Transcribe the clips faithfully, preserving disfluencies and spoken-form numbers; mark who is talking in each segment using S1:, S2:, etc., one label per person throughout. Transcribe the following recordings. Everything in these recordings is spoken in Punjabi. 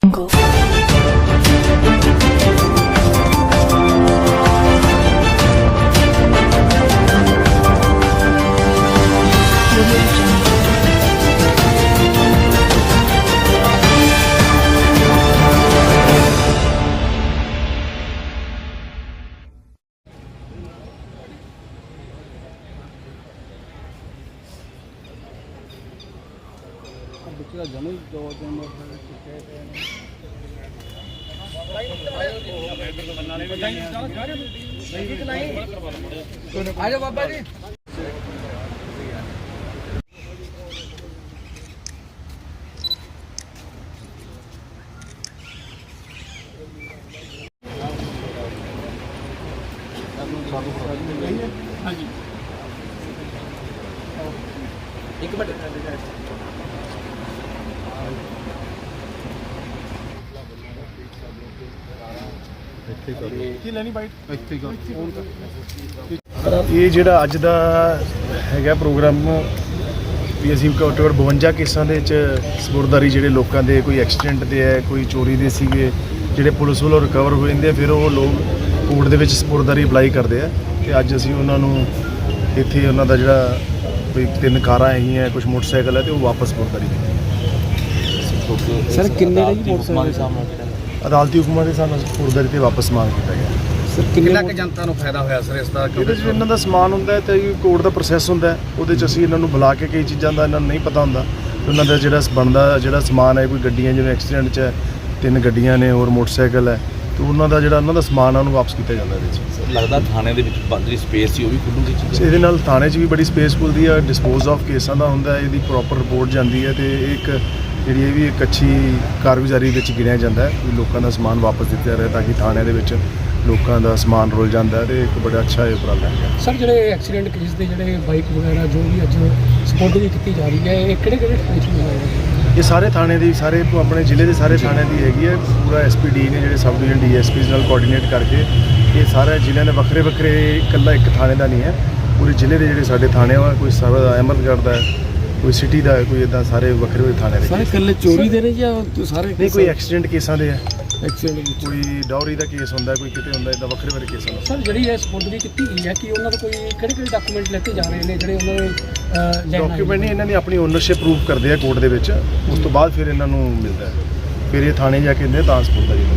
S1: जमी दो दिन आ जाओ बाबा जी। हाँ जी एक मिनट
S2: ਇਹ ਜਿਹੜਾ ਅੱਜ ਦਾ ਹੈਗਾ ਪ੍ਰੋਗਰਾਮ ਵੀ ਅਸੀਂ ਘੱਟੋ ਘੱਟ ਬਵੰਜਾ ਕੇਸਾਂ ਦੇ ਵਿੱਚ ਸਪੁਰਦਾਰੀ ਜਿਹੜੇ ਲੋਕਾਂ ਦੇ ਕੋਈ ਐਕਸੀਡੈਂਟ ਦੇ ਹੈ ਕੋਈ ਚੋਰੀ ਦੇ ਸੀਗੇ ਜਿਹੜੇ ਪੁਲਿਸ ਵੱਲੋਂ ਰਿਕਵਰ ਹੋ ਜਾਂਦੇ ਆ ਫਿਰ ਉਹ ਲੋਕ ਕੋਰਟ ਦੇ ਵਿੱਚ ਸਪੁਰਦਾਰੀ ਅਪਲਾਈ ਕਰਦੇ ਆ ਤੇ ਅੱਜ ਅਸੀਂ ਉਹਨਾਂ ਨੂੰ ਇੱਥੇ ਉਹਨਾਂ ਦਾ ਜਿਹੜਾ ਕੋਈ ਤਿੰਨ ਕਾਰਾਂ ਹੈਗੀਆਂ ਕੁਝ ਮੋਟਰਸਾਈਕਲ ਹੈ ਤੇ ਉਹ ਵਾਪਸ ਸਪੁਰਦਾਰੀ ਦੇ
S1: ਸਰ ਕਿੰਨੇ ਦਾ ਜੀ ਮੋਟਰਸਾਈਕਲ ਦੇ ਸਾਹਮਣੇ
S2: ਅਦਾਲਤੀ ਹੁਕਮਾਂ ਦੇ ਹਿਸਾਬ ਨਾਲ ਸਪੁਰਦਾਰੀ ਤੇ ਵਾਪਸ ਮੰਗ ਕੀਤਾ ਗਿਆ।
S1: ਸਰ ਕਿੰਨਾ ਕੁ ਜਨਤਾ ਨੂੰ ਫਾਇਦਾ ਹੋਇਆ ਸਰ ਇਸ ਦਾ?
S2: ਇਹਦੇ 'ਚ ਇਹਨਾਂ ਦਾ ਸਮਾਨ ਹੁੰਦਾ ਤੇ ਕੋਰਟ ਦਾ ਪ੍ਰੋਸੈਸ ਹੁੰਦਾ ਉਹਦੇ 'ਚ ਅਸੀਂ ਇਹਨਾਂ ਨੂੰ ਬੁਲਾ ਕੇ ਕਈ ਚੀਜ਼ਾਂ ਦਾ ਇਹਨਾਂ ਨੂੰ ਨਹੀਂ ਪਤਾ ਹੁੰਦਾ ਉਹਨਾਂ ਦਾ ਜਿਹੜਾ ਬਣਦਾ ਜਿਹੜਾ ਸਮਾਨ ਹੈ ਕੋਈ ਗੱਡੀਆਂ ਜਿਵੇਂ ਐਕਸੀਡੈਂਟ 'ਚ ਹੈ ਤਿੰਨ ਗੱਡੀਆਂ ਨੇ ਹੋਰ ਮੋਟਰਸਾਈਕਲ ਹੈ ਤੇ ਉਹਨਾਂ ਦਾ ਜਿਹੜਾ ਉਹਨਾਂ ਦਾ ਸਮਾਨ ਆ ਉਹਨੂੰ ਵਾਪਸ ਕੀਤਾ ਜਾਂਦਾ ਇਹਦੇ 'ਚ।
S3: ਲੱਗਦਾ ਥਾਣੇ ਦੇ ਵਿੱਚ ਜਿਹੜੀ ਸਪੇਸ ਸੀ ਉਹ ਵੀ ਖੁੱਲੂਗੀ ਚੀਜ਼
S2: ਇਹਦੇ ਨਾਲ ਥਾਣੇ 'ਚ ਵੀ ਬੜੀ ਸਪੇਸ ਖੁੱਲਦੀ ਹੈ ਡਿਸਪੋਜ਼ ਆਫ ਕੇਸਾਂ ਦਾ ਹੁੰਦਾ ਇਹਦੀ ਪ੍ਰੋਪਰ ਰਿਪੋਰਟ ਜਾਂਦੀ ਹੈ ਤੇ ਇੱਕ ਜਿਹੜੀ ਇਹ ਵੀ ਇੱਕ ਅੱਛੀ ਕਾਰਗੁਜ਼ਾਰੀ ਵਿੱਚ ਗਿਣਿਆ ਜਾਂਦਾ ਹੈ ਵੀ ਲੋਕਾਂ ਦਾ ਸਮਾਨ ਵਾਪਸ ਦਿੱਤਾ ਰਹੇ ਤਾਂ ਕਿ ਥਾਣਿਆਂ ਦੇ ਵਿੱਚ ਲੋਕਾਂ ਦਾ ਸਮਾਨ ਰੁਲ ਜਾਂਦਾ ਤੇ ਇੱਕ ਬੜਾ ਅੱਛਾ ਇਹ ਉਪਰਾਲਾ ਹੈ।
S4: ਸਰ ਜਿਹੜੇ ਐਕਸੀਡੈਂਟ ਕੇਸ ਦੇ ਜਿਹੜੇ ਬਾਈਕ ਵਗੈਰਾ ਜੋ ਵੀ ਅੱਜ ਸਪੋਰਟਿੰਗ ਕੀਤੀ ਜਾ ਰਹੀ ਹੈ ਇਹ ਕਿਹੜੇ ਕਿਹੜੇ ਥਾਣੇ 'ਚ ਹੋਇਆ?
S2: ਇਹ ਸਾਰੇ ਥਾਣੇ ਦੀ ਸਾਰੇ ਆਪਣੇ ਜ਼ਿਲ੍ਹੇ ਦੇ ਸਾਰੇ ਥਾਣਿਆਂ ਦੀ ਹੈਗੀ ਹੈ ਪੂਰਾ ਐਸ ਪੀ ਡੀ ਨੇ ਜਿਹੜੇ sub division D S Ps ਨਾਲ ਕੋਆਰਡੀਨੇਟ ਕਰਕੇ ਇਹ ਸਾਰੇ ਜ਼ਿਲ੍ਹਿਆਂ ਦੇ ਵੱਖਰੇ ਵੱਖਰੇ ਇਕੱਲਾ ਇੱਕ ਥਾਣੇ ਦਾ ਨਹੀਂ ਹੈ ਪੂਰੇ ਜ਼ਿਲ੍ਹੇ ਦੇ ਜਿਹੜੇ ਸਾਡੇ ਥਾਣੇ ਆ ਕੋਈ ਸਰ ਅਹਿਮਦਗੜ੍ਹ ਦਾ ਕੋਈ ਸਿਟੀ ਦਾ ਕੋਈ ਇੱਦਾਂ ਸਾਰੇ ਵੱਖਰੇ ਵੱਖਰੇ ਥਾਣੇ ਦੇ
S4: ਸਾਰੇ ਇਕੱਲੇ ਚੋਰੀ ਦੇ ਨੇ ਜਾਂ ਸਾਰੇ
S2: ਨਹੀਂ ਕੋਈ ਐਕਸੀਡੈਂਟ ਕੇਸਾਂ ਦੇ ਹੈ
S4: ਐਕਸੀਡੈਂਟ
S2: ਕੋਈ ਡੌਰੀ ਦਾ ਕੇਸ ਹੁੰਦਾ ਕੋਈ ਕਿਤੇ ਹੁੰਦਾ ਇੱਦਾਂ ਵੱਖਰੇ ਵੱਖਰੇ ਕੇਸ ਹੁੰਦਾ।
S4: ਸਰ ਜਿਹੜੀ ਇਹ ਸਪੋਰਟਿੰਗ ਕੀਤੀ ਗਈ ਹੈ ਕਿ ਉਹਨਾਂ ਦਾ ਕੋਈ ਕਿਹੜੇ ਕਿਹੜੇ ਡਾਕੂਮੈਂਟ ਲੈ ਕੇ ਜਾ ਰਹੇ ਨੇ ਜਿਹੜੇ ਉਹਨਾਂ ਨੇ
S2: ਡਾਕੂਮੈਂਟ ਨਹੀਂ ਇਹਨਾਂ ਨੇ ਆਪਣੀ ਓਨਰਸ਼ਿਪ ਪ੍ਰੂਫ ਕਰਦੇ ਆ ਕੋਰਟ ਦੇ ਵਿੱਚ ਉਸ ਤੋਂ ਬਾਅਦ ਫਿਰ ਇਹਨਾਂ ਨੂੰ ਮਿਲਦਾ ਹੈ ਫਿਰ ਇਹ ਥਾਣੇ ਜਾ ਕੇ ਇਹਦੇ ਤਾਂ ਸਪੁਰਦਾ ਜੀ।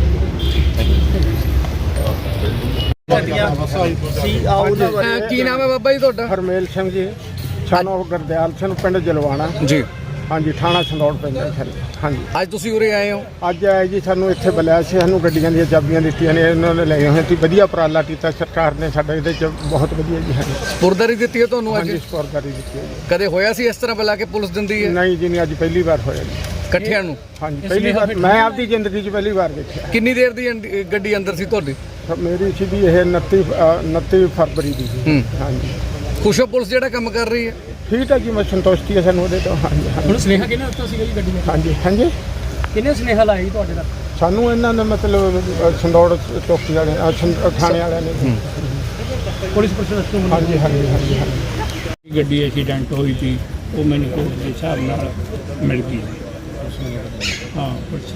S4: ਕੀ ਨਾਮ ਹੈ ਬਾਬਾ ਜੀ ਤੁਹਾਡਾ?
S1: ਹਰਮੇਲ ਸਿੰਘ ਜੀ ਸਾਨੂੰ ਗੁਰਦਿਆਲ ਸਿੰਘ ਪਿੰਡ ਜਲਵਾਣਾ
S4: ਜੀ
S1: ਹਾਂਜੀ ਥਾਣਾ ਸੰਦੌੜ ਪੈਂਦਾ ਸਰ। ਹਾਂਜੀ
S4: ਅੱਜ ਤੁਸੀਂ ਉਰੇ ਆਏ ਹੋ?
S1: ਅੱਜ ਆਏ ਜੀ ਸਾਨੂੰ ਇੱਥੇ ਬੁਲਾਇਆ ਸੀ ਸਾਨੂੰ ਗੱਡੀਆਂ ਦੀਆਂ ਚਾਬੀਆਂ ਦਿੱਤੀਆਂ ਨੇ ਇਹਨਾਂ ਨੇ ਲੈ ਹੋਏ ਸੀ ਵਧੀਆ ਉਪਰਾਲਾ ਕੀਤਾ ਸਰਕਾਰ ਨੇ ਸਾਡਾ ਇਹਦੇ 'ਚ ਬਹੁਤ ਵਧੀਆ ਜੀ। ਹਾਂਜੀ
S4: ਸਪੁਰਦਾਰੀ ਦਿੱਤੀ ਹੈ ਤੁਹਾਨੂੰ ਅੱਜ?
S1: ਹਾਂਜੀ ਸਪੁਰਦਾਰੀ ਦਿੱਤੀ ਹੈ ਜੀ।
S4: ਕਦੇ ਹੋਇਆ ਸੀ ਇਸ ਤਰ੍ਹਾਂ ਬੁਲਾ ਕੇ ਪੁਲਿਸ ਦਿੰਦੀ ਹੈ?
S1: ਨਹੀਂ ਜੀ ਨਹੀਂ ਅੱਜ ਪਹਿਲੀ ਵਾਰ ਹੋਇਆ ਜੀ
S4: ਇਕੱਠਿਆਂ ਨੂੰ?
S1: ਹਾਂਜੀ ਪਹਿਲੀ ਵਾਰ ਮੈਂ ਆਪਦੀ ਜ਼ਿੰਦਗੀ 'ਚ ਪਹਿਲੀ ਵਾਰ ਦੇਖਿਆ।
S4: ਕਿੰਨੀ ਦੇਰ ਦੀ ਅੰਦ- ਗੱਡੀ ਅੰਦਰ ਸੀ ਤੁਹਾਡੀ?
S1: ਮੇਰੀ ਸੀ ਜੀ ਇਹ ਉਨੱਤੀ ਉਨੱਤੀ ਫਰਵਰੀ ਦੀ ਜੀ। ਹਾਂਜੀ
S4: ਖੁਸ਼ ਹੋ ਪੁਲਿਸ ਜਿਹੜਾ ਕੰਮ ਕਰ ਰਹੀ ਹੈ?
S1: ਠੀਕ ਹੈ ਜੀ ਮੈਂ ਸੰਤੁਸ਼ਟੀ ਹੈ ਸਾਨੂੰ ਉਹਦੇ ਤੋਂ। ਹਾਂਜੀ
S4: ਹੁਣ ਸੁਨੇਹਾ ਕਿਹਨੇ ਦਿੱਤਾ ਸੀਗਾ ਜੀ ਗੱਡੀ ਨੂੰ?
S1: ਹਾਂਜੀ ਹਾਂਜੀ
S4: ਕਿਹਨੇ ਸੁਨੇਹਾ ਲਾਇਆ ਜੀ ਤੁਹਾਡੇ ਤੱਕ?
S1: ਸਾਨੂੰ ਇਹਨਾਂ ਨੇ ਮਤਲਬ ਸੰਦੌੜ ਚੌਕੀ ਵਾਲੇ ਥਾਣੇ ਵਾਲਿਆਂ ਨੇ
S4: ਪੁਲਿਸ ਪ੍ਰਸ਼ਾਸਨ?
S1: ਹਾਂਜੀ ਹਾਂਜੀ ਹਾਂਜੀ ਹਾਂਜੀ
S5: ਗੱਡੀ ਐਕਸੀਡੈਂਟ ਹੋਈ ਸੀ ਉਹ ਮੈਨੂੰ ਕੋਰਟ ਦੇ ਹਿਸਾਬ ਨਾਲ ਮਿਲ ਗਈ। ਹਾਂ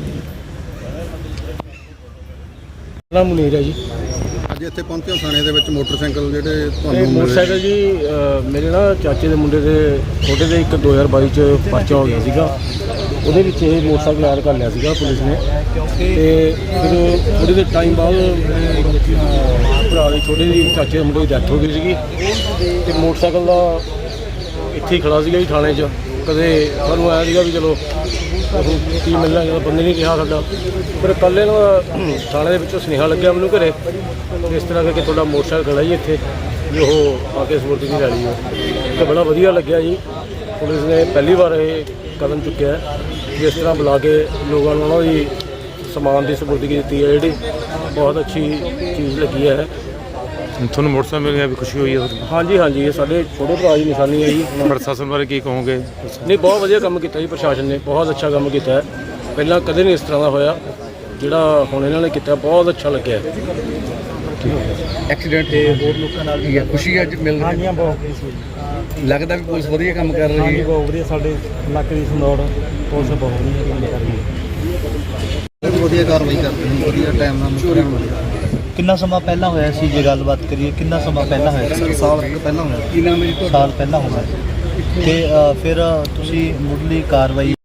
S4: ਨਾਮ ਮੁਨੀਰ ਹੈ ਜੀ।
S6: ਅੱਜ ਇੱਥੇ ਪਹੁੰਚੇ ਥਾਣੇ ਦੇ ਵਿੱਚ ਮੋਟਰਸਾਈਕਲ ਜਿਹੜੇ
S7: ਇਹ
S6: ਤੁਹਾਨੂੰ
S7: ਮੋਟਰਸਾਈਕਲ ਜੀ ਅ, ਮੇਰੇ ਨਾ ਚਾਚੇ ਦੇ ਮੁੰਡੇ ਦੇ ਛੋਟੇ ਦੇ ਇੱਕ ਦੋ ਹਜ਼ਾਰ ਬਾਈ 'ਚ ਪਰਚਾ ਹੋ ਗਿਆ ਸੀਗਾ ਉਹਦੇ ਵਿੱਚ ਇਹ ਮੋਟਰਸਾਈਕਲ ਐਡ ਕਰ ਲਿਆ ਸੀਗਾ ਪੁਲਿਸ ਨੇ ਤੇ ਫਿਰ ਥੋੜ੍ਹੇ ਦੇ ਟਾਈਮ ਬਾਅਦ ਮੇਰੇ ਭਰਾ ਦੇ ਛੋਟੇ ਦੀ ਚਾਚੇ ਦੇ ਮੁੰਡੇ ਦੀ ਡੈਥ ਹੋ ਗਈ ਸੀਗੀ ਤੇ ਮੋਟਰਸਾਈਕਲ ਦਾ ਇੱਥੇ ਹੀ ਖੜਾ ਸੀਗਾ ਜੀ ਥਾਣੇ 'ਚ। ਕਦੇ ਸਾਨੂੰ ਆਇਆ ਸੀਗਾ ਵੀ ਚਲੋ ਕੀ ਮਿਲਣਾ ਜਦੋਂ ਬੰਦੇ ਨਹੀਂ ਰਿਹਾ ਸਾਡਾ ਫਿਰ ਕੱਲ੍ਹ ਇਹਨਾਂ ਥਾਣੇ ਦੇ ਵਿੱਚੋਂ ਸੁਨੇਹਾ ਲੱਗਿਆ ਮੈਨੂੰ ਘਰੇ ਇਸ ਤਰ੍ਹਾਂ ਕਰਕੇ ਤੁਹਾਡਾ ਮੋਟਰਸਾਈਕਲ ਖੜਾ ਜੀ ਇੱਥੇ ਵੀ ਉਹ ਆ ਕੇ ਸਪੁਰਦ ਦੀ ਲੈ ਲਈ ਹੈ ਅਤੇ ਬੜਾ ਵਧੀਆ ਲੱਗਿਆ ਜੀ। ਪੁਲਿਸ ਨੇ ਪਹਿਲੀ ਵਾਰ ਇਹ ਕਦਮ ਚੁੱਕਿਆ ਜਿਸ ਤਰ੍ਹਾਂ ਬੁਲਾ ਕੇ ਲੋਕਾਂ ਨੂੰ ਉਹਨਾਂ ਦੀ ਸਮਾਨ ਦੀ ਸਪੁਰਦਗੀ ਦਿੱਤੀ ਹੈ ਜਿਹੜੀ ਬਹੁਤ ਅੱਛੀ ਚੀਜ਼ ਲੱਗੀ ਹੈ।
S8: ਤੁਹਾਨੂੰ ਮੋਟਰਸਾਈਕਲ ਮਿਲ ਗਿਆ ਵੀ ਖੁਸ਼ੀ ਹੋਈ ਹੈ?
S7: ਹਾਂਜੀ ਹਾਂਜੀ ਇਹ ਸਾਡੇ ਛੋਟੇ ਭਰਾ ਦੀ ਨਿਸ਼ਾਨੀ ਹੈ ਜੀ।
S8: ਪ੍ਰਸ਼ਾਸਨ ਬਾਰੇ ਕੀ ਕਹੋਗੇ?
S7: ਨਹੀਂ ਬਹੁਤ ਵਧੀਆ ਕੰਮ ਕੀਤਾ ਜੀ ਪ੍ਰਸ਼ਾਸਨ ਨੇ ਬਹੁਤ ਅੱਛਾ ਕੰਮ ਕੀਤਾ ਹੈ। ਪਹਿਲਾਂ ਕਦੇ ਨਹੀਂ ਇਸ ਤਰ੍ਹਾਂ ਦਾ ਹੋਇਆ ਜਿਹੜਾ ਹੁਣ ਇਹਨਾਂ ਨੇ ਕੀਤਾ ਬਹੁਤ ਅੱਛਾ ਲੱਗਿਆ।
S4: ਐਕਸੀਡੈਂਟ ਤੇ ਹੋਰ ਲੋਕਾਂ ਨਾਲ ਵੀ ਖੁਸ਼ੀ ਅੱਜ ਮਿਲ ਰਹੀ ਹੈ?
S1: ਬਹੁਤ ਖੁਸ਼ੀ
S4: ਲੱਗਦਾ ਵੀ ਪੁਲਿਸ ਵਧੀਆ ਕੰਮ ਕਰ ਰਹੀ ਹੈ?
S1: ਬਹੁਤ ਵਧੀਆ ਸਾਡੇ ਇਲਾਕੇ ਦੀ ਸੰਦੌੜ ਪੁਲਿਸ ਬਹੁਤ ਵਧੀਆ ਕੰਮ ਕਰ ਰਹੀ ਹੈ।
S6: ਵਧੀਆ ਕਾਰਵਾਈ ਕਰਦੇ ਨੇ, ਵਧੀਆ ਟਾਈਮ ਨਾਲ ਮੁਕਰਨ ਵਧੀਆ।
S9: ਕਿੰਨਾ ਸਮਾਂ ਪਹਿਲਾਂ ਹੋਇਆ ਸੀ ਜੇ ਗੱਲਬਾਤ ਕਰੀਏ ਕਿੰਨਾ ਸਮਾਂ ਪਹਿਲਾਂ ਹੋਇਆ ਸੀ?
S6: ਸਾਲ ਕੁ ਪਹਿਲਾਂ ਹੋਇਆ।
S9: ਸਾਲ ਪਹਿਲਾਂ ਹੋਇਆ ਸੀ। ਤੇ ਅ, ਫਿਰ ਤੁਸੀਂ ਮੁੱਢਲੀ ਕਾਰਵਾਈ